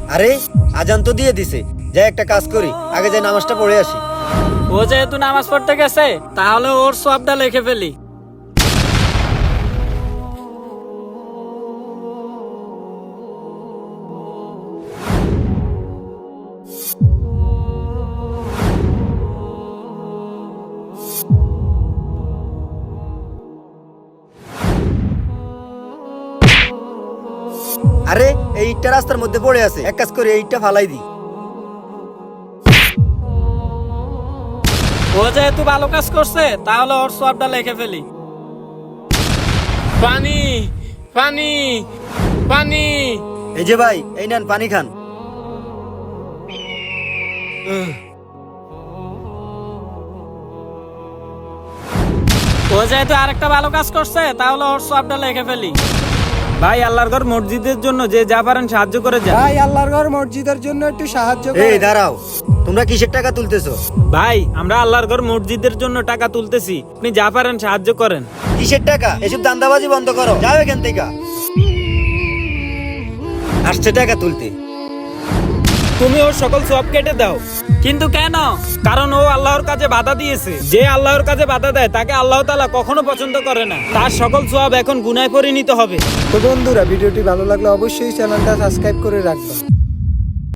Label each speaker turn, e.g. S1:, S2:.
S1: আরে আজান তো দিয়ে দিছে, যাই একটা কাজ করি, আগে যাই নামাজটা পড়ে আসি।
S2: ও যেহেতু নামাজ পড়তে গেছে তাহলে ওর সবটা লিখে ফেলি।
S1: আরে এই ইটটা রাস্তার মধ্যে পড়ে আছে, এক কাজ করি এই ইটটা ফালাই দিই।
S2: ও যেহেতু ভালো কাজ করছে তাহলে ওর সবটা লিখে ফেলি। পানি পানি পানি।
S1: এই যে ভাই, এই নেন পানি খান।
S2: ও যেহেতু আরেকটা ভালো কাজ করছে তাহলে ওর সবটা লিখে ফেলি। ভাই আল্লাহর ঘর মসজিদের জন্য যে যা পারেন সাহায্য করে যান।
S3: ভাই আল্লাহর ঘর মসজিদের জন্য একটু সাহায্য
S1: এই
S3: করুন।
S1: দাঁড়াও, তোমরা কিসের টাকা তুলতেছো?
S2: ভাই আমরা আল্লাহর ঘর মসজিদের জন্য টাকা তুলতেছি, আপনি যা পারেন সাহায্য করেন।
S1: কিসের টাকা? এসব দান্দাবাজি বন্ধ করো, যাও এখান থেকে। আসছে টাকা তুলতে।
S2: তুমি ওর সকল সব কেটে দাও। কিন্তু কেন? কারণ ও আল্লাহর কাজে বাধা দিয়েছে। যে আল্লাহর কাজে বাধা দেয় তাকে আল্লাহ তাআলা কখনো পছন্দ করে না। তার সকল সওয়াব এখন গুনাহে পরিণত হবে।
S3: তো বন্ধুরা, ভিডিওটি ভালো লাগলে অবশ্যই চ্যানেলটা সাবস্ক্রাইব করে রাখবেন।